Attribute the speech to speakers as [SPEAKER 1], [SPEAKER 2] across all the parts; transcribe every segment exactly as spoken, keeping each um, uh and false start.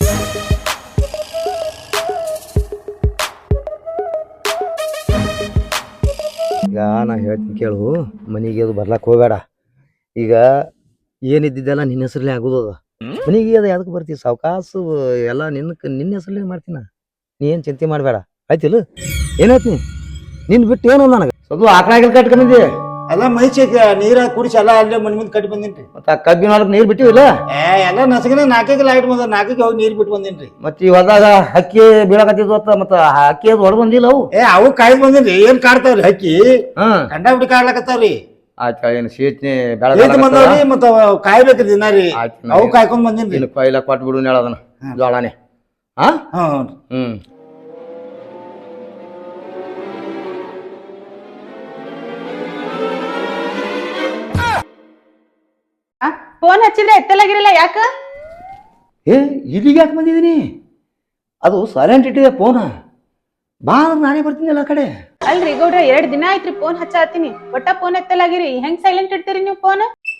[SPEAKER 1] ಈಗ ನಾ ಹೇಳ್ತೀನಿ ಕೇಳು, ಮನೆಗೆ ಅದು ಬರ್ಲಕ್ಕೆ ಹೋಗಬೇಡ. ಈಗ ಏನಿದ್ದಿದ್ದೆಲ್ಲ ನಿನ್ನ ಹೆಸರಲ್ಲೇ ಆಗೋದದ. ಮನೆಗೆ ಅದು ಯಾವ್ದಕ್ಕೆ ಬರ್ತೀವಿ, ಸಾವಕಾಸು ಎಲ್ಲ ನಿನ್ನ ನಿನ್ನ ಹೆಸರಲ್ಲೇ ಮಾಡ್ತೀನ. ನೀ ಏನು ಚಿಂತೆ ಮಾಡಬೇಡ, ಆಯ್ತಿಲ್ಲ? ಏನಾಯ್ತು ನೀ ನಿನ್ನ ಬಿಟ್ಟು ಏನು ನನಗೆ ಸ್ವಲ್ಪ ಆಕಳಾಗಿಲ್ ಕಟ್ಕೊಂಡಿದ್ದೆ
[SPEAKER 2] ಎಲ್ಲ ಮೈಚಿ ನೀರ ಕುಡಿಸಿ ಎಲ್ಲ ಅಲ್ಲೇ ಮನೆ ಮುಂದೆ ಕಟ್ಟಿ ಬಂದಿನ್ರಿ.
[SPEAKER 1] ಮತ್ತೆ ಆ ಕಬ್ಬಿನ ಹೊಲಕ್ಕೆ ನೀರು ಬಿಟ್ಟಿವಿಲ್ಲ?
[SPEAKER 2] ಏ ಎಲ್ಲ ನಸಗಿನ ನಾಲ್ಕೈದು ಲೈಟ್ ಬಂದ ನಾಲ್ಕೈಗೆ ಹೋಗಿ ನೀರು ಬಿಟ್ಟು ಬಂದಿನ್ರಿ.
[SPEAKER 1] ಮತ್ತೆ ಈ ಹೊಲದಾಗ ಹಕ್ಕಿ ಬೀಳಕತ್ತಿದ್ವು ಅತ್ತ, ಮತ್ತೆ ಹಕ್ಕಿ ಅದು ಹೊಡೆದು ಬಂದಿಲ್ಲ ಅವು?
[SPEAKER 2] ಏ ಅವು ಕಾಯ್ದು ಬಂದಿನ್ರಿ. ಏನ್ ಕಾಡ್ತಾವ್ರಿ ಹಕ್ಕಿ?
[SPEAKER 1] ಹಾ
[SPEAKER 2] ಕಂಡ ಬಿಟ್ಟು ಕಾಡ್ಲಕತ್ತಾವ್ರಿ.
[SPEAKER 1] ಆಯ್ತು, ಏನು ಸೀಟ್ನಿ
[SPEAKER 2] ಬಂದವ್ರಿ ಮತ್ತ ಕಾಯ್ಬೇಕು ದಿನ ರೀ. ಅವು ಕಾಯ್ಕೊಂಡ್ ಬಂದಿನ್ರಿ.
[SPEAKER 1] ಕೊಯ್ಲ ಕೊಟ್ಟು ಬಿಡು ಹೇಳದನ ಜೋಳನೆ. ಹಾ ಹ್ಮ್
[SPEAKER 3] ಫೋನ್ ಹಚ್ಚಿದ್ರೆ ಎತ್ತಲಾಗಿರಲ್ಲ, ಯಾಕ?
[SPEAKER 1] ಏ ಇಲ್ಲಿಗೆ ಯಾಕೆ ಬಂದಿದ್ದೀನಿ? ಅದು ಸೈಲೆಂಟ್ ಇಟ್ಟಿದೆ ಫೋನ್. ಬಾ ನಾನೇ ಬರ್ತೀನಿ ಎಲ್ಲ ಕಡೆ.
[SPEAKER 3] ಅಲ್ರಿ ಗೌಡ್ರ, ಎರಡ್ ದಿನ ಆಯ್ತ್ರಿ ಫೋನ್ ಹಚ್ಚಾತೀನಿ, ಒಟ್ಟ ಫೋನ್ ಎತ್ತಲಾಗಿರಿ. ಹೆಂಗ್ ಸೈಲೆಂಟ್ ಇಡ್ತೀರಿ ನೀವು ಫೋನ್?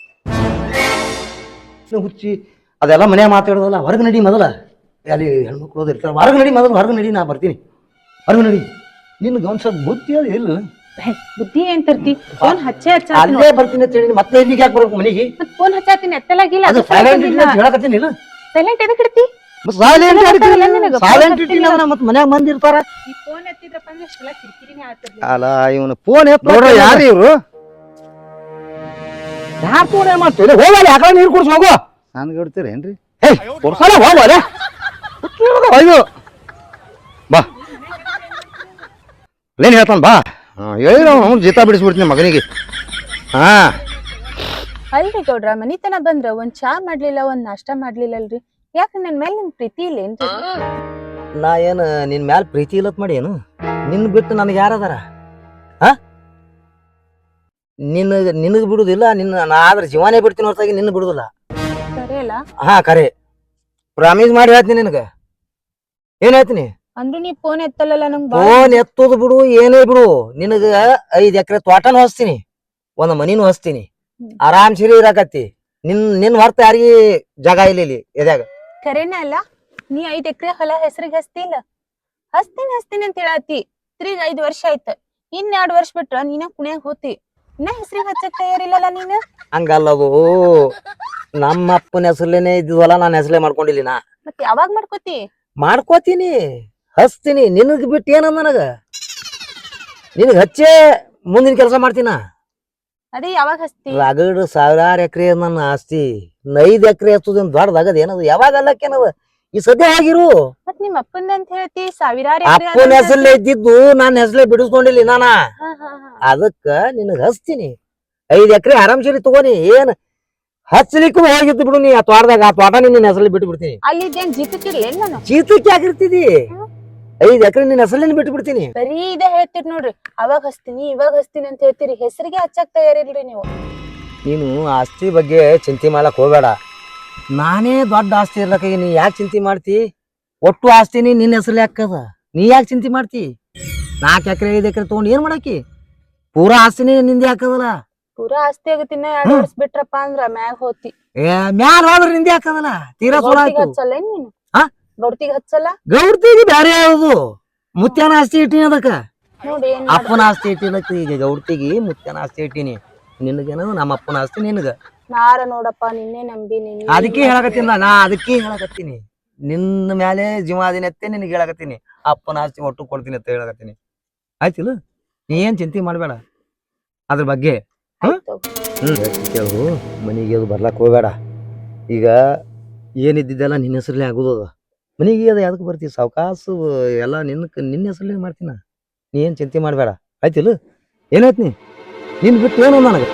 [SPEAKER 1] ಹುಚ್ಚಿ ಅದೆಲ್ಲ ಮನೆ ಮಾತಾಡೋದಲ್ಲ. ಹೊರಗೆ ನಡಿ ಮೊದಲ. ಅಲ್ಲಿ ಹೆಣ್ಮಕ್ಳು ಹೋದ ಇರ್ತಾರೆ. ಹೊರಗೆ ನಡಿ ಮೊದಲು, ಹೊರಗೆ ನಡಿ, ನಾ ಬರ್ತೀನಿ. ಹೊರಗೆ ನಡಿ. ನಿನ್ಗೆ ಒಂದು ಸ್ವಲ್ಪ ಬುದ್ಧಿ ಅದು ಇಲ್ಲ.
[SPEAKER 3] ಬುದ್ಧಿ ಏನ್ ತರ್ತಿ? ಫೋನ್ ಹಚ್ಚೇ ಹಚ್ಚ
[SPEAKER 1] ಅಲ್ಲೇ ಬರ್ತೀನಿ ಅಂತ ಹೇಳಿ ಮತ್ತೆ ಇಲ್ಲಿಗೆ ಯಾಕೆ ಬರ್ಬೇಕು ಮನೆಗೆ?
[SPEAKER 3] ಮತ್ ಫೋನ್ ಹಚ್ಚಾತೀನಿ, ಎತ್ತಲಾಗಿಲ್ಲ.
[SPEAKER 1] ಅದು ಸೈಲೆಂಟ್ ಇಟ್ಟಿಲ್ಲ ಹೇಳಕತ್ತೀನಿ ಇಲ್ಲ?
[SPEAKER 3] ಸೈಲೆಂಟ್ ಎದಕ್ ಇಡ್ತಿ?
[SPEAKER 1] ಸೈಲೆಂಟ್ ಸೈಲೆಂಟ್ ಇಟ್ಟಿಲ್ಲ ಮತ್ತೆ ಮನ್ಯಾಗ ಮಂದಿ ಇರ್ತಾರ.
[SPEAKER 3] ಈ ಫೋನ್ ಎತ್ತಿದ್ರಪ್ಪ ಅಂದ್ರೆ ಅಷ್ಟೆಲ್ಲ ಕಿರಿಕಿರಿನೇ ಆಗ್ತದೆ.
[SPEAKER 1] ಅಲ್ಲ ಇವನು ಫೋನ್ ಎತ್ತ ಯಾರು ಇವ್ರು? ಯಾರು ಫೋನ್ ಏನ್ ಮಾಡ್ತೀವಿ? ಹೋಗಲ್ಲ, ಯಾಕಡೆ ನೀರು ಕುಡ್ಸ್ ಹೋಗು. ನನ್ಗೆ ಇಡ್ತೀರೇನ್ರಿ? ಹೇ ಕುಡ್ಸಲ್ಲ, ಹೋಗಲ್ಲ. ಇದು ಬಾ ಏನ್ ಹೇಳ್ತಾನ ಬಾ. ಹೇಳಿ ಅವ್ನು ಜೀತ ಬಿಡಿಸ್ಬಿಡ್ತೀನಿ ಮಗನಿಗೆ. ಹಾ
[SPEAKER 3] ಅಲ್ರಿ ಗೌಡ್ರ, ಮನಿತನ ಬಂದ್ರ ಒಂದ್ ಚಾ ಮಾಡ್ಲಿಲ್ಲ, ಒಂದ್ ನಾಷ್ಟಾ ಮಾಡ್ಲಿಲ್ಲ ಅಲ್ರಿ? ಯಾಕ ನನ್ ಮೇಲೆ ನಿಮ್ ಪ್ರೀತಿ ಇಲ್ಲ ಏನ್ರಿ?
[SPEAKER 1] ನಾ ಏನ್ ನಿನ್ ಮ್ಯಾಲ ಪ್ರೀತಿ ಇಲ್ಲತ್ ಮಾಡಿ ಏನು? ನಿನ್ ಬಿಟ್ಟು ನನಗೆ ಯಾರದಾರ? ಹಾ ನಿನಗ ನಿನಗ್ ಬಿಡುದಿಲ್ಲ. ನಿನ್ನ ನಾ ಆದ್ರೆ ಜೀವನೇ ಬಿಡ್ತೀನಿ ಹೊರತಾಗಿ ನಿನ್ನ ಬಿಡುದಿಲ್ಲ.
[SPEAKER 3] ಸರಿ ಅಲ್ಲ?
[SPEAKER 1] ಹಾ ಕರೆ, ಪ್ರಾಮಿಸ್ ಮಾಡಿ ಹೇಳ್ತೀನಿ ನಿನಗ. ಏನ್ ಹೇಳ್ತೀನಿ
[SPEAKER 3] ಅಂದ್ರೂ ನೀ ಫೋನ್ ಎತ್ತಲ್ಲ ನಂಗ್.
[SPEAKER 1] ಫೋನ್ ಎತ್ತೋದು ಬಿಡು, ಏನೇ ಬಿಡು. ನಿನಗ ಐದ್ ಎಕರೆ ತೋಟನೂ ಹಚ್ತೀನಿ, ಒಂದ್ ಮನಿನೂ ಹಚ್ತೀನಿ. ಆರಾಮ್ ಸಿರಿ ಇರಾಕತ್ತಿ. ನಿನ್ ನಿನ್ ಹೊರತ ಯಾರಿಗಿ ಜಾಗ ಇಲ್ಲ ಇಲ್ಲಿ ಎದ್ಯಾಗ.
[SPEAKER 3] ಖರೇನ ಅಲ್ಲ? ನೀ ಐದ್ ಎಕರೆ ಹೊಲ ಹೆಸರಿಗೆ ಹಚ್ತಿಲ್ಲ? ಹಚ್ತೀನಿ ಹಚ್ತೀನಿ ಅಂತ ಹೇಳತ್ತಿ. ತಿರ್ಗ ಐದ್ ವರ್ಷ ಆಯ್ತ. ಇನ್ ಎರಡ್ ವರ್ಷ ಬಿಟ್ರ ನೀನ ಕುಣ್ಯಾಗ ಹೋತಿ. ಇನ್ನ ಹೆಸರಿಗೆ ಹಚ್ಚಕ್ ತಯಾರಿಲ್ಲಲ್ಲ ನೀನು?
[SPEAKER 1] ಹಂಗಲ್ಲದು, ನಮ್ಮ ಅಪ್ಪನ ಹೆಸರ್ಲೇನೆ ಇದ್ವಲ್ಲ, ನಾನು ಹೆಸರೇ ಮಾಡ್ಕೊಂಡಿಲ್ಲ. ನಾ
[SPEAKER 3] ಮತ್ ಯಾವಾಗ ಮಾಡ್ಕೋತಿ?
[SPEAKER 1] ಮಾಡ್ಕೋತೀನಿ, ಹಚ್ತೀನಿ. ನಿನಗ್ ಬಿಟ್ಟು ಏನಂದ ನನಗ? ನಿನಗ್ ಹಚ್ಚೇ ಮುಂದಿನ ಕೆಲಸ ಮಾಡ್ತೀನ.
[SPEAKER 3] ಅದೇ ಯಾವಾಗ ಹಚ್ತಿ?
[SPEAKER 1] ರಗಡ್ ಸಾವಿರಾರು ಎಕರೆ ನನ್ನ ಆಸ್ತಿ. ಐದ್ ಎಕರೆ ಹಚ್ಚೋದೇನ್ ದೊಡ್ಡದಾಗದ ಏನದು? ಯಾವಾಗ ಅಲ್ಲಕ್ಕೇನದ? ಈ ಸದ್ಯ ಆಗಿರು.
[SPEAKER 3] ಮತ್ ನಿಮ್ ಅಪ್ಪಂದ ಅಂತ ಹೇಳ್ತಿ, ಸಾವಿರಾರು
[SPEAKER 1] ಅಪ್ಪನ ಹೆಸರಲ್ಲೇ ಇದ್ದಿದ್ದು ನನ್ನ ಹೆಸರೇ ಬಿಡಿಸ್ಕೊಂಡಿಲ್ಲ ನಾನ. ಅದಕ್ಕ ನಿನಗ್ ಹಚ್ತೀನಿ. ಐದ್ ಎಕರೆ ಆರಾಮ್ಸರಿ ತಗೋನಿ. ಏನ್ ಹಚ್ಚಲಿಕ್ಕೂ ಹೋಗಿದ್ದು ಬಿಡು. ನೀ ಆ ತೋಟದಾಗ ಆ ತೋಟ ನಿನ್ನ ಹೆಸರಲ್ಲಿ ಬಿಟ್ಟು ಬಿಡ್ತೀನಿ.
[SPEAKER 3] ಅಲ್ಲಿ ಇದೇನ್ ಜೀತಕ್ಕಿರ್ಲೇನ್ ನಾನು?
[SPEAKER 1] ಚೀತಕ್ಕೆ ಆಗಿರ್ತಿದಿ. ಐದ್ ಎಕರೆ ನಿನ್ನ ಹೆಸರಲ್ಲಿ ಬಿಟ್ಟು ಬಿಡ್ತೀನಿ.
[SPEAKER 3] ಬರೀ ಇದೇ ಹೇಳ್ತೀರಿ ನೋಡ್ರಿ, ಅವಾಗ ಹಚ್ತೀನಿ ಇವಾಗ ಹಚ್ತೀನಿ ಅಂತ ಹೇಳ್ತೀರಿ. ಹೆಸರಿಗೆ ಹಚ್ಚಕ್ ತಯಾರಿಲ್ರಿ ನೀವು.
[SPEAKER 1] ನೀನು ಆಸ್ತಿ ಬಗ್ಗೆ ಚಿಂತೆ ಮಾಡ್ಲಕ್ ಹೋಗ್ಬೇಡ. ನಾನೇ ದೊಡ್ಡ ಆಸ್ತಿ ಇರ್ಲಕ್ಕ ನೀ ಯಾಕೆ ಚಿಂತೆ ಮಾಡ್ತಿ? ಒಟ್ಟು ಆಸ್ತಿನಿ ನಿನ್ನ ಹೆಸರಲ್ಲಿ ಹಾಕದ. ನೀ ಯಾಕೆ ಚಿಂತೆ ಮಾಡ್ತಿ? ನಾಲ್ಕು ಎಕರೆ ಐದು ಎಕರೆ ತಗೊಂಡು ಏನ್ ಮಾಡಾಕಿ? ಪೂರಾ ಆಸ್ತಿನಿ ನಿಂದೆ ಹಾಕದಲ್ಲ.
[SPEAKER 3] ಪೂರಾ ಆಸ್ತಿ ಆಗತ್ತಿನ ಎರಡ್ ವರ್ಷ ಬಿಟ್ರಪ್ಪ ಅಂದ್ರ ಮ್ಯಾಗ ಹೋತಿ.
[SPEAKER 1] ಏ ಮ್ಯಾಲ ಹೋದ್ರ ನಿಂದೆ ಹಾಕದಲ್ಲ. ತೀರಾ ಸೋಲ ಆಯ್ತು.
[SPEAKER 3] ಹಚ್ಚಲ್ಲ ನೀನು?
[SPEAKER 1] ಹಾ
[SPEAKER 3] ಗೌಡ್ತಿಗೆ ಹಚ್ಚಲ್ಲ?
[SPEAKER 1] ಗೌಡ್ತಿಗೆ ಬ್ಯಾರೆ ಯಾವ್ದು? ಮುತ್ಯಾನ ಆಸ್ತಿ ಇಟ್ಟಿನಿ ಅದಕ್ಕ.
[SPEAKER 3] ನೋಡಿ
[SPEAKER 1] ಅಪ್ಪನ ಆಸ್ತಿ ಇಟ್ಟಿಲಕ್ಕ. ಈಗ ಗೌಡ್ತಿಗೆ ಮುತ್ಯಾನ ಆಸ್ತಿ ಇಟ್ಟಿನಿ. ನಿನಗೇನದು ನಮ್ಮ ಅಪ್ಪನ ಆಸ್ತಿ ನಿನಗ.
[SPEAKER 3] ನಾರ ನೋಡಪ್ಪ ನಿನ್ನೆ ನಂಬಿನಿ.
[SPEAKER 1] ಅದಕ್ಕೆ ಹೇಳಕತ್ತೀನಿ ನಾ ಅದಕ್ಕೆ ಹೇಳಕತ್ತೀನಿ. ನಿನ್ನ ಮ್ಯಾಲೆ ಜೀವಾದಿನತ್ತೆ ನಿನಗೆ ಹೇಳಕತ್ತೀನಿ. ಅಪ್ಪನ ಆಸ್ತಿ ಒಟ್ಟು ಕೊಡ್ತೀನಿ ಅಂತ ಹೇಳಕತ್ತೀನಿ. ಆಯ್ತಿಲ್ಲ? ನೀ ಏನ್ ಚಿಂತೆ ಮಾಡ್ಬೇಡ ಅದ್ರ ಬಗ್ಗೆ. ಹ್ಮ್ ಕೇಳು, ಮನೆಗೆ ಅದು ಬರ್ಲಕ್ ಹೋಗ್ಬೇಡ. ಈಗ ಏನಿದ್ದಿದ್ದೆಲ್ಲ ನಿನ್ನ ಹೆಸರಲ್ಲೇ ಆಗೋದದ. ಮನೆಗೆ ಅದು ಯಾವ್ದಕ್ಕೆ ಬರ್ತೀವಿ? ಸಾವಕಾಸು ಎಲ್ಲ ನಿನ್ನ ನಿನ್ನ ಹೆಸರಲ್ಲೇ ಮಾಡ್ತೀನ. ನೀ ಏನ್ ಚಿಂತೆ ಮಾಡ್ಬೇಡ. ಆಯ್ತಿಲ್ಲ? ಏನಾಯ್ತು ನೀ ನಿನ್ ಬಿಟ್ಟು ಏನು ನನಗೆ?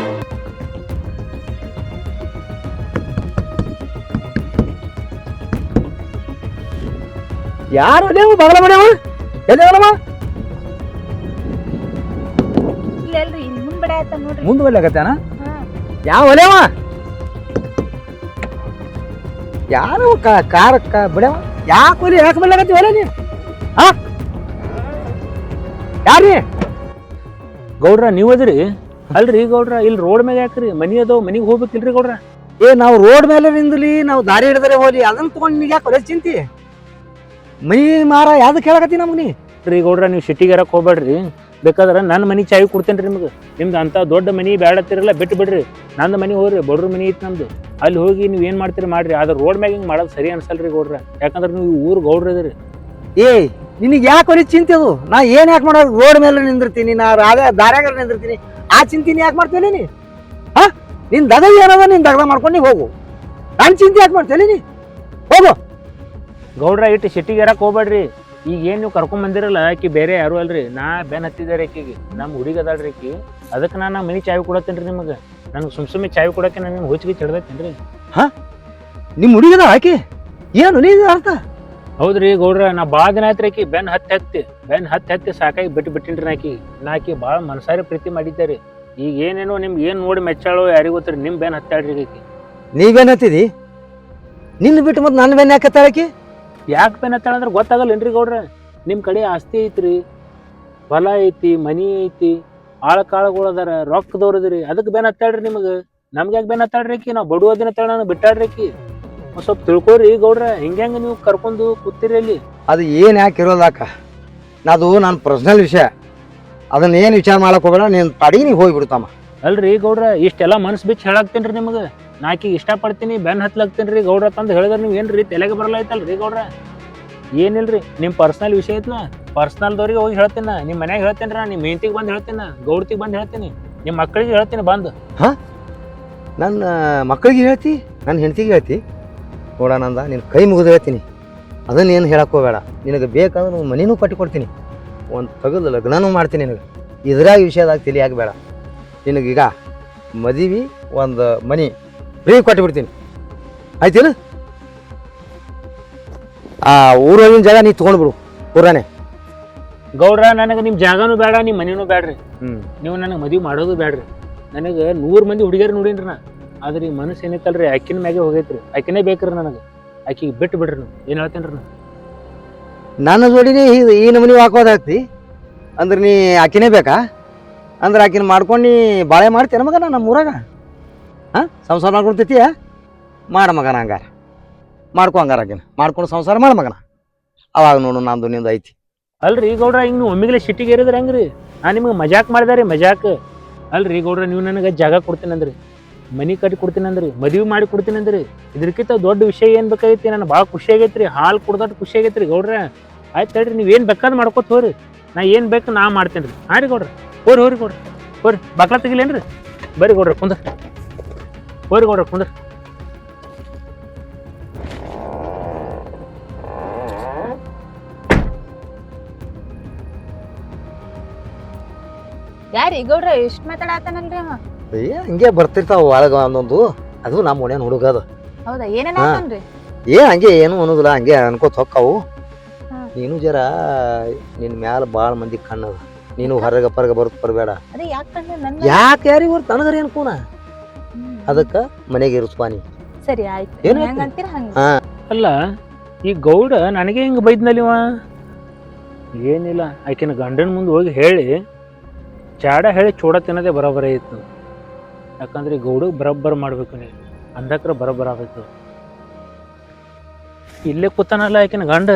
[SPEAKER 1] ಯಾರು ನೀವು ಬಗಲ ಮನೆಯವ? ಎಲ್ಲಿವಲ್ಲಮ್ಮ?
[SPEAKER 3] ಇಲ್ಲಲ್ರಿ, ಮುಂದ್ ಬಡ ಆಯ್ತ ನೋಡ್ರಿ.
[SPEAKER 1] ಮುಂದ್ ಬರ್ಲಾಕತ್ತಾನ? ಯಾವ ಒಲೆವ? ಯಾರು ಕಾರ ಬಿಡವ? ಯಾಕೆ ಒಲಿ ಯಾಕೆ ಬರ್ಲಾಕತ್ತಿ ಒಲೆ ನೀ? ಹಾ ಯಾರೀ?
[SPEAKER 4] ಗೌಡ್ರ ನೀವ್ ಅದ್ರಿ? ಅಲ್ರಿ ಗೌಡ್ರ, ಇಲ್ಲಿ ರೋಡ್ ಮ್ಯಾಗ ಯಾಕ್ರಿ? ಮನಿ ಅದಾವ, ಮನಿಗ್ ಹೋಗ್ಬೇಕಿಲ್ರಿ ಗೌಡ್ರ?
[SPEAKER 1] ಏ ನಾವು ರೋಡ್ ಮೇಲೆ ನಿಂದಲಿ ನಾವು ದಾರಿ ಹಿಡಿದರೆ ಹೋಲಿ ಅದನ್ನ ತಗೊಂಡು ನಿನಗೆ ಯಾಕೆ ಹೊಲ ಚಿಂತಿ ಮೈ ಮಾರ ಯಾವ್ದಕ್ಕೆ ಹೇಳಕತ್ತಿ ನಮ್ಗೆ ನೀ
[SPEAKER 4] ರೀ ಗೌಡ್ರ ನೀವು ಸಿಟಿಗೆ ಇರಕ್ಕೆ ಹೋಗ್ಬೇಡ್ರಿ, ಬೇಕಾದ್ರೆ ನನ್ನ ಮನೆ ಚಾವಿ ಕೊಡ್ತೇನೆ ರೀ ನಿಮ್ಗೆ. ನಿಮ್ದು ಅಂತ ದೊಡ್ಡ ಮನೆ ಬೇಡತ್ತಿರಲ್ಲ ಬಿಟ್ಟು ಬಿಡ್ರಿ, ನಂದು ಮನೆ ಹೋಗ್ರಿ, ಬಡ್ರ ಮನೆ ಐತಿ ನಮ್ದು, ಅಲ್ಲಿ ಹೋಗಿ ನೀವು ಏನು ಮಾಡ್ತೀರಿ ಮಾಡ್ರಿ. ಆದ್ರೆ ರೋಡ್ ಮ್ಯಾಗ ಹಿಂಗೆ ಮಾಡೋದು ಸರಿ ಅನ್ಸಲ್ರಿ ಗೌಡ್ರ, ಯಾಕಂದ್ರೆ ನೀವು ಊರು ಗೌಡ್ರ ಇದ್ರಿ.
[SPEAKER 1] ಏ ನಿನಗೆ ಯಾಕೆ ಹೊಲಿ ಚಿಂತೆ ಅದು? ನಾ ಏನ್ ಯಾಕೆ ಮಾಡೋದು? ರೋಡ್ ಮೇಲೆ ನಿಂದಿರ್ತೀನಿ, ನಾ ರಾಗ ದಾರ್ಯಾಗ ನಿಂದಿರ್ತೀನಿ, ಆ ಚಿಂತಿನ ಯಾಕೆ ಮಾಡ್ತೇನೆ ನೀ? ಹಾ ನಿನ್ ದಗ ಏನದ ನಿನ್ ದಗದ ಮಾಡ್ಕೊಂಡು ನೀ ಹೋಗು, ನಾನು ಚಿಂತೆ ಯಾಕೆ ಮಾಡ್ತೇನೆ ನೀ? ಹೋಗು
[SPEAKER 4] ಗೌಡ್ರ ಇಟ್ಟು ಸಿಟಿಗೆ ಇರಕ್ಕೆ ಹೋಗ್ಬೇಡ್ರಿ. ಈಗ ಏನು ನೀವು ಕರ್ಕೊಂಡ್ ಬಂದಿರಲ್ಲ ಆಕಿ ಬೇರೆ ಯಾರು ಅಲ್ರಿ, ನಾ ಬೆನ್ ಹತ್ತಿದ್ದಾರೆ ಆಕಿಗೆ, ನಮ್ಮ ಹುಡುಗ ಅದಾಳ್ರಿ ಆಕಿ, ಅದಕ್ಕೆ ನಾನು ಮನೆ ಚಾವಿ ಕೊಡತ್ತೇನೆ ರೀ ನಿಮಗೆ. ನನಗೆ ಸುಮ್ ಸುಮ್ಮನೆ ಚಾವಿ ಕೊಡಕ್ಕೆ ನನಗೆ ಹುಚ್ಚಿಗೆ ಚಿಡ್ದೈತೇನೆ ರೀ.
[SPEAKER 1] ಹಾ ನಿಮ್ಮ ಹುಡುಗದ ಆಕಿ ಏನು ನೀ ಅರ್ಥ?
[SPEAKER 4] ಹೌದ್ರಿ ಗೌಡ್ರ, ನಾ ಭಾಳ ದಿನ ಆಯ್ತು ಆಕಿ ಬೆನ್ ಹತ್ತಿ ಹತ್ತಿ ಬೆನ್ ಹತ್ತಿ ಹತ್ತಿ ಸಾಕಾಗಿ ಬಿಟ್ಟು ಬಿಟ್ಟಿನ್ರಿ ಆಕಿ. ನಾ ಆಕಿ ಭಾಳ ಮನಸಾರಿ ಪ್ರೀತಿ ಮಾಡಿದ್ದಾರೆ. ಈಗ ಏನೇನೋ ನಿಮ್ಗೆ ಏನು ನೋಡಿ ಮೆಚ್ಚಾಳೋ ಯಾರಿಗೂ ಗೊತ್ತಿರಿ, ನಿಮ್ಮ ಬೆನ್ ಹತ್ತಾಳ್ರಿ ಆಕಿ.
[SPEAKER 1] ನೀವೇನ್ ಹತ್ತಿದಿ? ನಿನ್ನ ಬಿಟ್ಟು ಮತ್ತೆ ನನ್ನ ಬೆನ್ನ ಯಾಕೆ ಹತ್ತಾಳಕಿ?
[SPEAKER 4] ಯಾಕೆ ಬೆನ್ ಹತ್ತಾಳ ಅಂದ್ರೆ ಗೊತ್ತಾಗಲ್ಲೇನ್ರಿ ಗೌಡ್ರ? ನಿಮ್ಮ ಕಡೆ ಆಸ್ತಿ ಐತ್ರಿ, ಹೊಲ ಐತಿ, ಮನಿ ಐತಿ, ಆಳ ಕಾಳುಗಳು ಅದಾರ, ರೊಕ್ಕದವ್ರದ್ರಿ, ಅದಕ್ಕೆ ಬೆನ್ ಹತ್ತಾಳ್ರಿ ನಿಮಗೆ. ನಮ್ಗೆ ಯಾಕೆ ಬೆನ್ ಹತ್ತಾಳ್ರಿ ಆಕಿ? ನಾವು ಬಡುವದಿನ ತಳ ನಾನು ಬಿಟ್ಟಾಡ್ರಿ ಆಕಿ. ಒಂದು ಸ್ವಲ್ಪ ತಿಳ್ಕೊರಿ ಗೌಡ್ರ, ಹಿಂಗೆ ನೀವು ಕರ್ಕೊಂಡು ಕೂತಿರಿ ಅಲ್ಲಿ.
[SPEAKER 1] ಅದು ಏನು ಯಾಕೆ ಇರೋದಾಕ? ಅದು ನನ್ನ ಪರ್ಸನಲ್ ವಿಷಯ, ಅದನ್ನ ಏನು ವಿಚಾರ ಮಾಡಕ್ ಹೋಗೋಣ, ನೀನು ತಡಿ ನೀವು ಹೋಗ್ಬಿಡ್ತಮ್ಮ.
[SPEAKER 4] ಅಲ್ರಿ ಗೌಡ್ರ, ಇಷ್ಟೆಲ್ಲ ಮನ್ಸು ಬಿಚ್ಚಿ ಹೇಳಾಕ್ತೇನ್ರಿ ನಿಮಗೆ. ನಾಕೀಗ ಇಷ್ಟಪಡ್ತೀನಿ ಬೆನ್ ಹತ್ಲಾಗ್ತೀನಿ ರೀ ಗೌಡ್ರ ತಂದು ಹೇಳಿದ್ರೆ ನೀವು ಏನ್ರಿ ತಲೆಗೆ ಬರಲ್ಲ ಐತಲ್ರಿ ಗೌಡ್ರ? ಏನಿಲ್ರಿ, ನಿಮ್ಮ ಪರ್ಸನಲ್ ವಿಷಯ ಐತ್ಲ, ಪರ್ಸನಲ್ದವ್ರಿಗೆ ಹೋಗಿ ಹೇಳ್ತೀನಿ, ನಿಮ್ಮ ಮನ್ಯಾಗ ಹೇಳ್ತೇನೆ ರೀ, ನಿಮ್ಮ ಹೆಂಡತಿಗೆ ಬಂದು ಹೇಳ್ತೀನಿ, ಗೌಡ್ತಿಗೆ ಬಂದು ಹೇಳ್ತೀನಿ, ನಿಮ್ಮ ಮಕ್ಕಳಿಗೆ ಹೇಳ್ತೀನಿ ಬಂದು.
[SPEAKER 1] ಹಾ ನನ್ನ ಮಕ್ಕಳಿಗೆ ಹೇಳ್ತಿ, ನನ್ನ ಹೆಂಡತಿಗೆ ಹೇಳ್ತಿ? ನೋಡೋಣಂದ ನಿನ್ನ ಕೈ ಮುಗಿದು ಹೇಳ್ತೀನಿ, ಅದನ್ನೇನು ಹೇಳಕ್ ಹೋಗಬೇಡ. ನಿನಗೆ ಬೇಕಾದ್ರೆ ಮನಿನೂ ಕಟ್ಟಿ ಕೊಡ್ತೀನಿ, ಒಂದು ತಗದು ಲಗ್ನನೂ ಮಾಡ್ತೀನಿ ನಿನಗೆ. ಇದ್ರಾಗ ವಿಷಯದಾಗ ತಲೆ ಆಗಬೇಡ. ನಿನಗೀಗ ಮದುವೆ ಒಂದು ಮನಿ ಫ್ರೀ ಕೊಟ್ಟಿಬಿಡ್ತೀನಿ, ಆಯ್ತಿಲ್ಲ? ಆ ಊರೊಳಗಿನ ಜಾಗ ನೀ ತೊಗೊಂಡ್ಬಿಡು ಊರಾನೆ.
[SPEAKER 4] ಗೌಡ್ರ, ನನಗೆ ನಿಮ್ಮ ಜಾಗನೂ ಬೇಡ, ನಿಮ್ಮ ಮನಿನೂ ಬೇಡ್ರಿ.
[SPEAKER 1] ಹ್ಞೂ
[SPEAKER 4] ನೀವು ನನಗೆ ಮದುವೆ ಮಾಡೋದು ಬೇಡ್ರಿ. ನನಗೆ ನೂರು ಮಂದಿ ಹುಡುಗಿಯರು ನೋಡೀನ್ರಿ ನಾ, ಆದ್ರೆ ಈ ಮನಸ್ಸು ಏನೈತಲ್ರಿ ಆಕಿನ ಮ್ಯಾಗೆ ಹೋಗೈತ್ರಿ. ಆಕಿನೇ ಬೇಕ್ರಿ ನನಗೆ, ಆಕಿಗೆ ಬಿಟ್ಟು ಬಿಡ್ರಿ ನೀವು. ಏನು ಹೇಳ್ತೇನೆ ರೀ?
[SPEAKER 1] ನನ್ನ ಜೋಡಿನೇ ಈ ಈ ನಮೂನಿ ಹಾಕೋದಾಗ್ತಿ ಅಂದ್ರೆ ನೀ ಆಕಿನೇ ಬೇಕಾ? ಅಂದ್ರೆ ಆಕಿನ ಮಾಡ್ಕೊಂಡು ನೀ ಬಾಳೆ ಮಾಡ್ತೀನ ಮಗನ ನಮ್ಮ ಊರಾಗ? ಹಾಂ ಸಂಸಾರ ಮಾಡ್ಕೊಳ್ತೈತಿಯ? ಮಾಡ ಮಗನ ಹಂಗಾರ, ಮಾಡ್ಕೊ ಹಂಗಾರ ಆಕಿನ ಮಾಡ್ಕೊಂಡು ಸಂಸಾರ ಮಾಡ ಮಗನ. ಅವಾಗ ನೋಡು ನಂದು ನಿಂದು ಐತಿ.
[SPEAKER 4] ಅಲ್ರಿ ಗೌಡ್ರ, ಹಿಂಗೆ ನೀವು ಒಮ್ಮಿಗೆ ಸಿಟ್ಟಿಗೆ ಏರಿದ್ರೆ ಹೆಂಗ್ರಿ? ನಾನು ನಿಮ್ಗೆ ಮಜಾಕ್ ಮಾಡಿದೆ ರೀ, ಮಜಾಕ್. ಅಲ್ರಿ ಗೌಡ್ರ, ನೀವು ನನಗೆ ಜಾಗ ಕೊಡ್ತೀನಿ ಅಂದ್ರಿ, ಮನಿ ಕಟ್ಟಿ ಕೊಡ್ತೀನಿ ಅಂದ್ರಿ, ಮದುವೆ ಮಾಡಿ ಕೊಡ್ತೀನಿ ಅಂದ್ರಿ, ಇದ್ರಕ್ಕಿಂತ ದೊಡ್ಡ ವಿಷಯ ಏನು ಬೇಕಾಗೈತಿ? ನನಗೆ ಭಾಳ ಖುಷಿ ಆಗೈತೆ ರೀ, ಹಾಲು ಕುಡ್ದಟ್ಟು ಖುಷಿ ಆಗೈತೆ ರೀ ಗೌಡ್ರ. ಆಯ್ತು ಹೇಳ್ರಿ, ನೀವು ಏನು ಬೇಕಾದ್ ಮಾಡ್ಕೊತ ಹೋರಿ, ನಾ ಏನು ಬೇಕು ನಾ ಮಾಡ್ತೇನೆ ರೀ. ಹಾಂ ರೀ ಗೌಡ್ರ, ಹೋರಿ ಹೋರಿ ಗೌಡ್ರ, ಹೋರಿ ಬಾಕ್ಲ ತೆಗಿಲೇನ್ರಿ? ಬರ್ರಿ ಗೌಡ್ರ ಕುಂದ್ರ, ಹೋರಿ ಗೌಡ್ರ ಕುಂದ್ರ.
[SPEAKER 3] ಯಾರಿ ಗೌಡ್ರ ಎಷ್ಟ್ ಮಾತಾಡತಾನಲ್ರಿ ಅವ?
[SPEAKER 1] ಏ ಹಂಗೆ ಬರ್ತಿರ್ತಾವ ಒಳಗ ಒಂದೊಂದು, ಅದು ನಮ್ಮ ಓಣ್ಯಾನ ಹುಡುಗ ಅದು.
[SPEAKER 3] ಹೌದಾ? ಏನೇನ್
[SPEAKER 1] ಹಾ.
[SPEAKER 3] ಆತನ್ರಿ?
[SPEAKER 1] ಏ ಹಂಗೆ ಏನು ಅನ್ನೋದಿಲ್ಲ, ಹಂಗೆ ಅನ್ಕೋತ ಹೊಕ್ಕಾವು.
[SPEAKER 3] ಹಾ.
[SPEAKER 1] ನೀನು ಜರ ನಿನ್ನ ಮ್ಯಾಲ ಭಾಳ ಮಂದಿ ಕಣ್ಣದ, ನೀನು ಹೊರಗೆ ಪರಗ ಬರುತ್ತ ಬರಬೇಡ.
[SPEAKER 3] ಅದೇ ಯಾಕಂದ್ರೆ ನನ್
[SPEAKER 1] ಯಾಕೆ ಯಾರಿಗೆ ಹೊರ ತನಗರ ಅನ್ಕೋನ, ಅದಕ್ಕೆ ಮನೆಗೆ ಇರಿಸ್ಪಾನಿ.
[SPEAKER 3] ಸರಿ ಆಯ್ತು,
[SPEAKER 1] ಏನ್
[SPEAKER 3] ಹೆಂಗ ಅಂತೀರ ಹಂಗ.
[SPEAKER 1] ಹಾ
[SPEAKER 4] ಅಲ್ಲ ಈ ಗೌಡ ನನಗೆ ಹಿಂಗೆ ಬೈದ್ನಲ್ಲಿವ? ಏನಿಲ್ಲ, ಆಕಿನ ಗಂಡನ ಮುಂದೆ ಹೋಗಿ ಹೇಳಿ ಚಾಡ ಹೇಳಿ ಚೂಡ ತಿನ್ನೋದೇ ಬರೋಬ್ಬರ ಇತ್ತು. ಯಾಕಂದ್ರೆ ಗೌಡಗೆ ಬರೋಬ್ಬರ ಮಾಡ್ಬೇಕು, ನೀವು ಅಂದಕ್ರ ಬರೋಬ್ಬರ ಆಗಬೇಕು. ಇಲ್ಲೇ ಕೂತಾನಲ್ಲ ಆಕಿನ ಗಂಡ.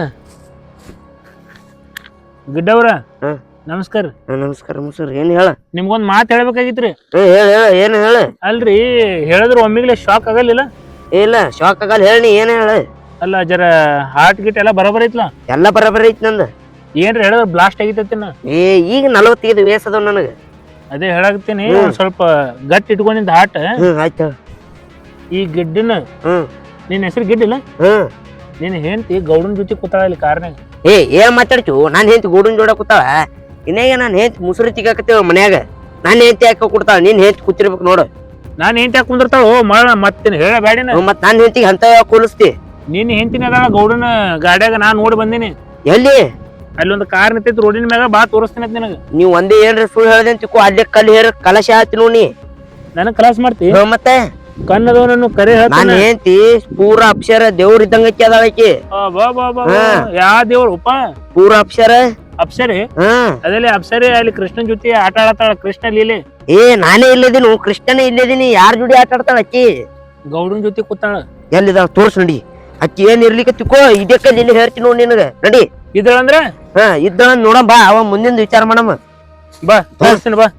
[SPEAKER 4] ಗಿಡ್ಡವ್ರ
[SPEAKER 5] ಹಾ.
[SPEAKER 4] ನಮಸ್ಕಾರ.
[SPEAKER 5] ನಮಸ್ಕಾರ ಸರ್. ಏನ್ ಹೇಳ?
[SPEAKER 4] ನಿಮ್ಗೊಂದ್ ಮಾತು ಹೇಳ್ಬೇಕಾಗಿತ್ರಿ.
[SPEAKER 5] ಹೇಳ ಹೇಳ ಏನ್ ಹೇಳ?
[SPEAKER 4] ಅಲ್ರಿ ಹೇಳಿದ್ರು ಒಮ್ಮಿಗ್ಲೆ ಶಾಕ್ ಆಗಲಿಲ್ಲ?
[SPEAKER 5] ಇಲ್ಲ ಶಾಕ್ ಆಗಲ್ಲ, ಹೇಳಿ ಏನ್ ಹೇಳ?
[SPEAKER 4] ಅಲ್ಲ ಜರ ಹಾರ್ಟ್ ಗಿಟ್ ಎಲ್ಲ ಬರೋಬ್ಬರ ಐತ್ಲ?
[SPEAKER 5] ಎಲ್ಲ ಬರಬರ ಐತಿ ನಂದ.
[SPEAKER 4] ಏನ್ರಿ ಹೇಳಿದ್ರ ಬ್ಲಾಸ್ಟ್ ಆಗಿತ್ತೇನ?
[SPEAKER 5] ಏ ಈಗ ನಲವತ್ತೈದು ವಯಸ್ಸು ಅದಾವ ನನಗ.
[SPEAKER 4] ಅದೇ ಹೇಳಾಕತ್ತೀನಿ, ಒಂದ್ ಸ್ವಲ್ಪ ಗಟ್ಟಿ ಇಟ್ಕೊಂಡಿದ್ದ ಹಾಟ್.
[SPEAKER 5] ಹ್ಮ್ ಆಯ್ತು.
[SPEAKER 4] ಈ ಗಿಡ್ಡನ
[SPEAKER 5] ಹ್ಮ್
[SPEAKER 4] ನಿನ್ನ ಹೆಸರು ಗಿಡ್ಡಿಲ್ಲ?
[SPEAKER 5] ಹ್ಮ್
[SPEAKER 4] ನಿನ್ನ ಹೆಂಡತಿ ಗೌಡನ್ ಜೊತೆ ಕೂತಾಳ ಇಲ್ಲಿ ಕಾರ್ನಾಗ.
[SPEAKER 5] ಏ ಏನ್ ಮಾತಾಡ್ತು? ನಾನ್ ಹೆಂಡತಿ ಗೋಡನ್ ಜೋಡ ಕೂತಾಳ. ಇನ್ನೇಗ ನಾನ್ ಹೆಂಡತಿ ಮುಸುರಿ ತಿಗಾಕತ್ತೇವ ಮನ್ಯಾಗ. ನಾನ್ ಹೆಂಡತಿ ಹಾಕ ಕೊಡ್ತಾಳ, ನೀನ್ ಹೆಂಡತಿ ಕೂತಿರ್ಬೇಕು ನೋಡು.
[SPEAKER 4] ನಾನ್ ಹೆಂಡತಿ ಹಾಕಿ ಕುಂದಿರ್ತಾಳ. ಓ ಮಳ ಮತ್ತೇನು ಹೇಳ ಬ್ಯಾಡಿನ?
[SPEAKER 5] ಮತ್ ನಾನ್ ಹೆಂಡತಿಗೆ ಅಂತ ಕೂಲಿಸ್ತಿ?
[SPEAKER 4] ನಿನ್ನ ಹೆಂಡತಿನ ಅದಾಳ ಗೌಡನ ಗಾಡ್ಯಾಗ, ನಾನ್ ನೋಡಿ ಬಂದೀನಿ.
[SPEAKER 5] ಎಲ್ಲಿ?
[SPEAKER 4] ಅಲ್ಲಿ ಒಂದು ಕಾರ್ ನಿಂತೈತಿ ರೋಡಿನ ಮ್ಯಾಗ, ಬಾ ತೋರಿಸ್ತೀನಿ ಅಂತ ನಿನಗ.
[SPEAKER 5] ನೀವ್ ಒಂದೇ ಏನ್ರ ಸುಳ್ಳು ಹೇಳ್ದೆ ಅಂತಿಕೋ, ಅಲ್ಲೇ ಕಲ್ಲು ಹೇರ ಕಲಶ ಆತಿ ನೋಡಿ.
[SPEAKER 4] ನನಗ್ ಕಲಾಸ್ ಮಾಡ್ತಿ?
[SPEAKER 5] ಮತ್ತೆ
[SPEAKER 4] ಕನ್ನದವನನ್ನು ಕರೆ
[SPEAKER 5] ನಾನ್
[SPEAKER 4] ಹೇಳ್ತಾನೆ.
[SPEAKER 5] ಹೆಂಡತಿ ಪೂರ ಅಕ್ಷರ ದೇವ್ರ ಇದ್ದಂಗಕ್ಕೆ ಅದಾಳಕಿ.
[SPEAKER 4] ಬಾ ಬಾ ಬಾ ಯಾ ದೇವ್ರು ಉಪ್ಪ?
[SPEAKER 5] ಪೂರ ಅಕ್ಷರ
[SPEAKER 4] ಅಪ್ಸರಿ?
[SPEAKER 5] ಹ್ಮ್
[SPEAKER 4] ಅದಲ್ಲಿ ಅಪ್ಸರಿ ಅಲ್ಲಿ ಕೃಷ್ಣನ್ ಜೊತೆ ಆಟ ಆಡತಾಳ, ಕೃಷ್ಣ ಲೀಲೆ.
[SPEAKER 5] ಏ ನಾನೇ ಇಲ್ಲದೀನಿ, ಕೃಷ್ಣನೇ ಇಲ್ಲದೀನಿ. ಯಾರ ಜೋಡಿ ಆಟ ಆಡ್ತಾಳ ಅಕ್ಕಿ?
[SPEAKER 4] ಗೌಡನ್ ಜೊತೆ ಕೂತಾಳ.
[SPEAKER 5] ಎಲ್ಲಿದ ತೋರ್ಸ್ ನಡಿ. ಅಕ್ಕಿ ಏನ್ ಇರ್ಲಿಕ್ಕೆ ತಿಕ್ಕೋ ಇದೇ ಕಲ್ಲಿ ಇಲ್ಲಿ ಹೇಳ್ತೀನಿ ನೋಡಿ ನಿನಗ ನಡಿ.
[SPEAKER 4] ಇದ್ರಂದ್ರ
[SPEAKER 5] ಹಾ ಇದ್ದ ನೋಡಮ್ ಬಾ ಅವ ಮುಂದಿನ ವಿಚಾರ ಮಾಡಮ್ಮ.
[SPEAKER 4] ಬಾ ತೋರಿಸ್ತೀನಿ ಬಾ.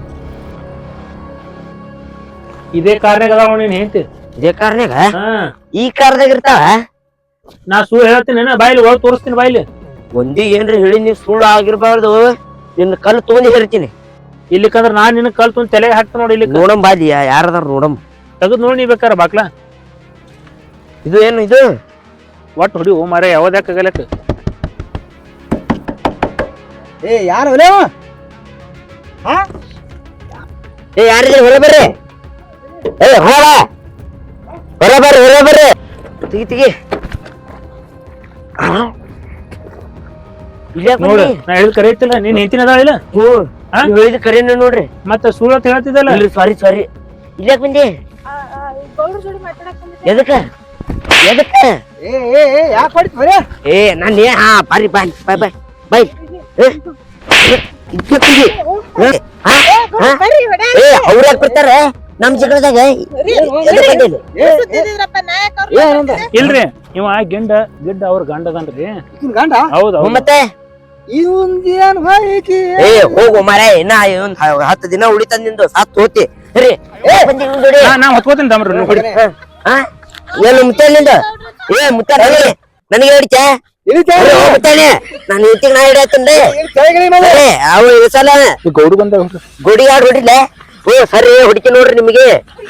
[SPEAKER 4] ಇದೇ ಕಾರ್ನಾಗ ಅದಾವ ನೀನ್ ಹೇಳ್ತಿ.
[SPEAKER 5] ಇದೇ ಕಾರ್ನಾಗ
[SPEAKER 4] ಹಾ
[SPEAKER 5] ಈ ಕಾರ್ದಾಗ ಇರ್ತಾವ.
[SPEAKER 4] ನಾ ಸುಳ್ಳು ಹೇಳ್ತೀನಿ ಬಾಯ್ಲಿ ಒಳಗ್ ತೋರಿಸ್ತೀನಿ ಬಾಯ್ಲಿ.
[SPEAKER 5] ಒಂದಿ ಏನ್ರಿ ಹೇಳಿ ನೀವ್ ಸುಳ್ಳು ಆಗಿರ್ಬಾರ್ದು. ನಿನ್ನ ಕಲ್ಲು ತಗೊಂಡಿ ಹೇಳ್ತೀನಿ.
[SPEAKER 4] ಇಲ್ಲಿಕಂದ್ರ ನಾನ್ ನಿನ್ ಕಲ್ ತುಂಬ ತಲೆಗೆ ಹಾಕ್ತ ನೋಡಿ. ಇಲ್ಲಿ
[SPEAKER 5] ನೋಡಮ್ ಬಾಲಿ ಯಾರದಾರ ನೋಡಮ್.
[SPEAKER 4] ತೆಗದ್ ನೋಡಿ ನೀ ಬೇಕಾರ ಬಾಕ್ಲಾ.
[SPEAKER 5] ಇದು ಏನು ಇದು
[SPEAKER 4] ಒಟ್ಟು ಹೊಡಿ ಓ ಮಾರ ಯಾವ್ದಾಗಲಕ್ಕ.
[SPEAKER 1] ಏ ಯಾರು ಒಲೆವ
[SPEAKER 5] ಏ ಯಾರಿದ್ರೆ ಹೊರ ಬರ್ರಿ. ಏ ಹೋಳ ಹೊರ ಬರ್ರಿ ಹೊರ ಬರ್ರಿ. ತಿಗಿ ತಿಗಿ
[SPEAKER 4] ನೋಡು ನಾ ಹೇಳಿದ್ ಕರೆ ಐತಿಲ್ಲ. ನೀನ್ ಹೇಳ್ತೀನಿ ಅದಾಳ ಇಲ್ಲ.
[SPEAKER 5] ಹೇಳಿದ ಕರೆನ ನೋಡ್ರಿ.
[SPEAKER 4] ಮತ್ತ ಸುಳ್ಳು ಅಂತ ಹೇಳ್ತಿದ್ದಲ್ಲ.
[SPEAKER 5] ಸಾರಿ ಸಾರಿ ಇಲ್ಯಾಕ್ ಬಂದಿ. ಎದಕ್ಕ ಎದಕ್ಕ
[SPEAKER 1] ಏ ಏ ಏ ಯಾಕೆ ಹೊಡಿತ್ ಬರೇ
[SPEAKER 5] ಏ ನಾನ್ ಏ ಹಾ ಬಾರಿ ಬಾಯ್ ಬಾಯ್ ಬಾಯ್ ಬಾಯ್ ಏ ಅವ್ರ ಯಾಕೆ ಬರ್ತಾರ ನಮ್ ಜಗಳದಾಗ.
[SPEAKER 4] ಇಲ್ರಿ ಇವ ಗಿಂಡ ಗಿಡ್ಡ ಅವ್ರ ಗಂಡ ಅದನ್ರಿ.
[SPEAKER 1] ಗಂಡ
[SPEAKER 4] ಹೌದು
[SPEAKER 5] ಮತ್ತೆ
[SPEAKER 1] ಇವಂದೇನ್ ಬಾಯಿಕಿ
[SPEAKER 5] ಏ ಹೋಗು ಮಾರ ಇನ್ನ ಒಂದ್ ಹತ್ತು ದಿನ ಉಳಿತಂದ ನಿಂದು ಸತ್ ಹೋತಿ ರೀ.
[SPEAKER 4] ನಾ ಹೊತ್ಕೋತೀನಿ ತಮ್ರಿ ನೀವು ಹೊಡಿ.
[SPEAKER 5] ಏನು ಮುತ್ತಲಿಂದ ಏ ಮುತ್ತ ನನಗೆ ಹಿಡಿತ ಮುತ್ತಾನೆ ನಾನು ಇತ್ತಿಗೆ ನಾ ಹಿಡಿಯತ್ತನ್ರಿ. ಅವು ಸಲ
[SPEAKER 4] ಗೌಡು ಬಂದ
[SPEAKER 5] ಗೋಡಿ ಆಡ್ ಹೊಡಿಲ್ಲ. ಓ ಸರಿ ಹೊಡಿಕೆ ನೋಡ್ರಿ ನಿಮಗೆ.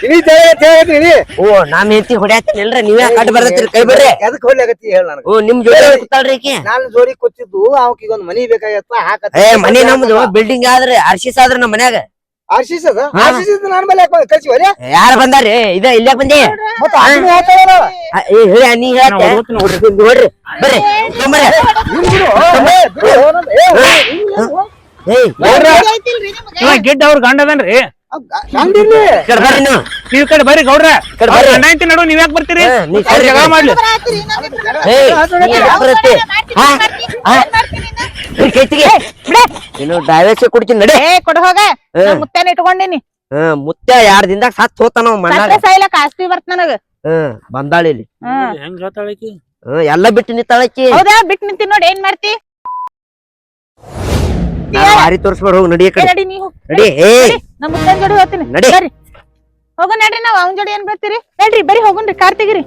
[SPEAKER 5] ಓ ನಾನ್ ಹೆಂಡತಿ ಹೊಡ್ಯಾತೇನಿಲ್ರಿ ನೀವೇ ಕಟ್ ಬರ್ತೈತ್ರಿ ಕೈ ಬರ್ರಿ.
[SPEAKER 1] ಎದಕ್ ಹೊಡ್ಲಾಗತ್ತಿ ಹೇಳ ನನಗ.
[SPEAKER 5] ಓ ನಿಮ್ ಜೋಡಿ ಕೂತಾಳ್ರಿ ಈಕಿ.
[SPEAKER 1] ನಾನು ಜೋಡಿ ಕೂತಿದ್ದು ಅವಕ್ ಈಗ ಒಂದ್ ಮನಿ ಬೇಕಾಗತ್ತ ಹಾಕತ್ತ.
[SPEAKER 5] ಏ ಮನಿ ನಮ್ದು ಬಿಲ್ಡಿಂಗ್ ಆದ್ರಿ ಆರ್ಸಿಸ್ ಆದ್ರ ನಮ್ ಮನ್ಯಾಗ.
[SPEAKER 1] ಆರ್ಸಿಸ್ ಅದ ಆರ್ಸಿಸ್ ನಾನು ಮೇಲೆ ಕಳ್ಸಿ ಹೊರೆ
[SPEAKER 5] ಯಾರ ಬಂದಾರಿ ಇದ ಇಲ್ಯಾಕ್ ಬಂದಿ.
[SPEAKER 1] ಮತ್ತೆ ಅದನ್ನ ಹೇಳ್ತಾಳ
[SPEAKER 5] ಏ ಹೇಳಿ ನೀ ಹೇಳ್ತೆ ನೋಡ್ರಿ ಬರ್ರಿ
[SPEAKER 4] ಗಿಡ್ಡ ಅವ್ರ ಗಂಡ ಅದನ್ರಿ.
[SPEAKER 1] ಗಂಡಿರ್ಲಿ
[SPEAKER 5] ಬರ್ರಿ ನೀವು
[SPEAKER 4] ನೀವ್ ಕಡೆ ಬರ್ರಿ ಗೌಡ್ರ. ಗಂಡ ಐತಿ ನಡು ನೀವ್ ಯಾಕೆ ಬರ್ತೀರಿ. ಜಗಳ ಮಾಡ್ಲಿ
[SPEAKER 5] ನೀನು ಡೈವರ್ಸ್ ಕೊಡ್ತೀನಿ ನಡಿ.
[SPEAKER 3] ಕೊಡ ಹೋಗ ಮುತ್ತೇನ ಇಟ್ಕೊಂಡಿನಿ.
[SPEAKER 5] ಹ್ಮ್ ಮುತ್ತ ಯಾರ್ ದಿನದಾಗ ಸತ್ ಹೋತಾನ ಮಣ್ಣಾಗ.
[SPEAKER 3] ಸಾಯ್ಲಕ್ ಆಸ್ತಿ ಬರ್ತ ನನಗ.
[SPEAKER 5] ಹ್ಮ್ ಬಂದಾಳ ಇಲ್ಲಿ.
[SPEAKER 4] ಹೆಂಗ್ ಹೇಳ್ತಾಳಕಿ.
[SPEAKER 5] ಹ್ಮ್ ಎಲ್ಲಾ ಬಿಟ್ಟು ನಿಂತಾಳಕಿ.
[SPEAKER 3] ಹೌದಾ ಬಿಟ್ಟು ನಿಂತಿ ನೋಡಿ ಏನ್ ಮಾಡ್ತಿ.
[SPEAKER 5] ಮಾರಿ ತೋರ್ಸ್ಬೇಡ ಹೋಗ್ ನಡಿ ಕಡೆ
[SPEAKER 3] ನಡಿ ನೀವು
[SPEAKER 5] ನಡಿ. ಏ
[SPEAKER 3] ನಮ್ ಮುತ್ತೇನ್ ಜೋಡಿ ಹೋಗ್ತೀನಿ
[SPEAKER 5] ನಡಿ.
[SPEAKER 3] ಬರ್ರಿ ಹೋಗ ನಡ್ರಿ ನಾವ್ ಅವನ್ ಜೋಡಿ ಏನ್ ಬರ್ತೀರಿ ನಡ್ರಿ ಬರಿ ಹೋಗುನ್ರಿ ಕಾರ್ ತೆಗಿರಿ.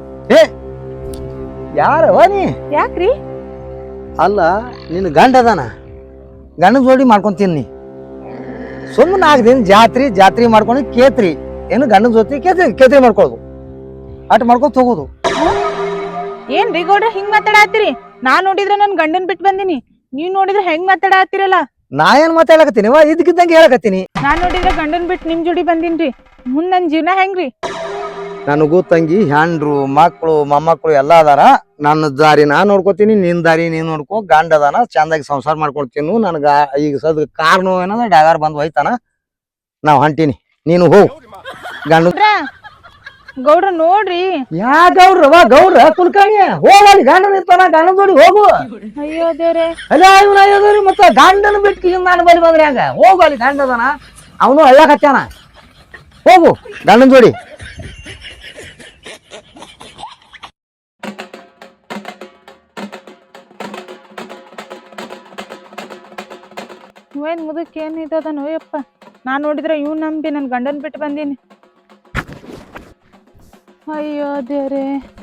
[SPEAKER 1] ಯಾರವ ನೀ.
[SPEAKER 3] ಯಾಕ್ರಿ
[SPEAKER 1] ಅಲ್ಲ ನಿನ್ ಗಂಡ ಅದಾನ ಗಂಡನ ಜೋಡಿ ಮಾಡ್ಕೊಂತೀನಿ ನೀ. ಸುಮ್ಮನೆ ನಾಲ್ಕು ದಿನ ಜಾತ್ರಿ ಜಾತ್ರಿ ಮಾಡ್ಕೊಂಡು ಕೇತ್ರಿ ಏನು ಗಂಡನ ಜೊತೆ ಕೇತ್ರಿ ಕೇತ್ರಿ ಮಾಡ್ಕೊಳ್ಳೋದು ಅಟ್ ಮಾಡ್ಕೊಂತ ಹೋಗೋದು.
[SPEAKER 3] ಏನ್ರಿ ಗೌಡ್ರ ಹಿಂಗ್ ಮಾತಾಡತ್ತೀರಿ. ನಾನ್ ನೋಡಿದ್ರ ನನ್ ಗಂಡನ್ ಬಿಟ್ಟು ಬಂದಿನಿ. ನೀವ್ ನೋಡಿದ್ರ ಹೆಂಗ್ ಮಾತಾಡತ್ತೀರಲ್ಲ.
[SPEAKER 1] ನಾ ಏನ್ ಮಾತಾಡಕತ್ತೀನಿ ವಾ ಇದಕ್ಕಿದ್ದಂಗೆ ಹೇಳಕತ್ತೀನಿ.
[SPEAKER 3] ನಾನ್ ನೋಡಿದ್ರ ಗಂಡನ್ ಬಿಟ್ಟು ನಿಮ್ ಜೋಡಿ ಬಂದಿನ್ರಿ. ಮುಂದ್ ನನ್ ಜೀವನ ಹೆಂಗ್ರಿ.
[SPEAKER 1] ನನಗೂ ತಂಗಿ ಹೆಂಡ್ರು ಮಕ್ಳು ಮೊಮ್ಮಕ್ಳು ಎಲ್ಲಾ ಅದಾರ. ನನ್ನ ದಾರಿ ನಾ ನೋಡ್ಕೋತೀನಿ ನಿನ್ ದಾರಿ ನೀನ್ ನೋಡ್ಕೊ. ಗಂಡ ಅದಾನ ಚಂದಾಗಿ ಸಂಸಾರ ಮಾಡ್ಕೊಳ್ತೀನಿ. ನನ್ಗ ಈಗ ಸದ್ ಕಾರ್ ನೋವು ಏನದ ಡ್ರೈವರ್ ಬಂದ್ ಹೋಯ್ತಾನ ನಾವ್ ಹೊಂಟೀನಿ ನೀನು ಹೋಗ್ ಗಂಡ.
[SPEAKER 3] ಗೌಡ್ರ ನೋಡ್ರಿ
[SPEAKER 1] ಯಾ ಗೌಡ್ರವ ಗೌಡ್ರ ಕುಲ್ಕರ್ಣಿ ಹೋಗಲ್ಲಿ ಗಂಡನ ಇರ್ತಾನ ಗಂಡನ ಜೋಡಿ ಹೋಗು.
[SPEAKER 3] ಅಯ್ಯೋ ದೇವ್ರೆ
[SPEAKER 1] ಅಲ್ಲ ಇವನ ಅಯ್ಯೋದ್ರಿ ಮತ್ತ ಗಂಡನ ಬಿಟ್ಟು ಹಿಂಗ್ ನಾನು ಬರಿ ಬಂದ್ರಿ ಹಂಗ ಹೋಗು ಅಲ್ಲಿ ಗಂಡ ಅದಾನ ಅವನು ಹಳ್ಳಕತ್ತಾನ ಹೋಗು ಗಂಡನ ಜೋಡಿ.
[SPEAKER 3] ಇವೇನ್ ಮುದಕ್ ಏನ್ ಇದ ನೋಯಪ್ಪ. ನಾನ್ ನೋಡಿದ್ರ ಇವ್ ನಂಬಿ ನನ್ ಗಂಡನ್ ಬಿಟ್ಟು ಬಂದೀನಿ. ಅಯ್ಯೋ ದೇವ್ರೆ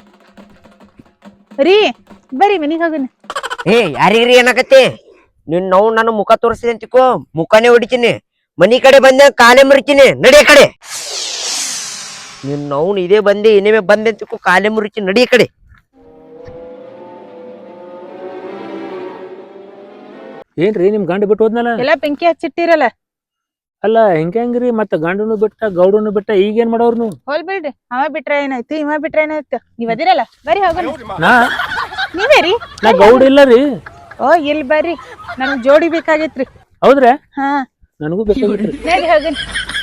[SPEAKER 3] ರೀ ಬರ್ರಿ ಮನಿಗ್ ಹೋಗನ.
[SPEAKER 5] ಏ ಯಾರಿಗ್ರಿ ಏನಾಗತ್ತೆ ನಿನ್ ನಾವು ನನ್ನ ಮುಖ ತೋರಿಸಿದೆ ಅಂತಿಕೋ ಮುಖನೇ ಹೊಡಿತೀನಿ. ಮನಿ ಕಡೆ ಬಂದ ಕಾಲೇ ಮುರಿತೀನಿ ನಡಿ ಕಡೆ. ನಿನ್ ನಾವು ಇದೇ ಬಂದೆ ಏನೇ ಬಂದೆ ಅಂತಿಕೋ ಕಾಲೇ ಮುರಿತೀನಿ ನಡಿ ಕಡೆ.
[SPEAKER 4] ಏನ್ರಿ ನಿಮ್ ಗಂಡ ಬಿಟ್ಟು ಹೋದ್ನಲ್ಲ.
[SPEAKER 3] ಎಲ್ಲಾ ಬೆಂಕಿ ಹಚ್ಚಿಟ್ಟಿರಲ್ಲ.
[SPEAKER 4] ಅಲ್ಲ ಹೆಂಗ ಹೆಂಗ್ರಿ ಮತ್ತ ಗಂಡನು ಬಿಟ್ಟ ಗೌಡನು ಬಿಟ್ಟ ಈಗ ಏನ್ ಮಾಡೋರ್ ನೀವು.
[SPEAKER 3] ಹೋಲ್ ಬಿಡ್ರಿ ಅವ ಬಿಟ್ರ ಏನಾಯ್ತು ಇವ ಬಿಟ್ರ ಏನಾಯ್ತು. ನೀವ್ ಅದಿರಲ್ಲ ಬರ್ರಿ ಹೋಗೋಣ.
[SPEAKER 4] ನಾ
[SPEAKER 3] ನೀವೇ ರೀ
[SPEAKER 4] ನಾ ಗೌಡ ಇಲ್ಲ ರೀ.
[SPEAKER 3] ಓ ಇಲ್ಲಿ ಬರ್ರಿ ನನಗ್ ಜೋಡಿ ಬೇಕಾಗಿತ್ರಿ.
[SPEAKER 4] ಹೌದ್ರಾ
[SPEAKER 3] ಹಾ
[SPEAKER 4] ನನಗೂ ಬೇಕಾಗಿತ್ರಿ.
[SPEAKER 3] ನಡಿ ಹೋಗೋಣ.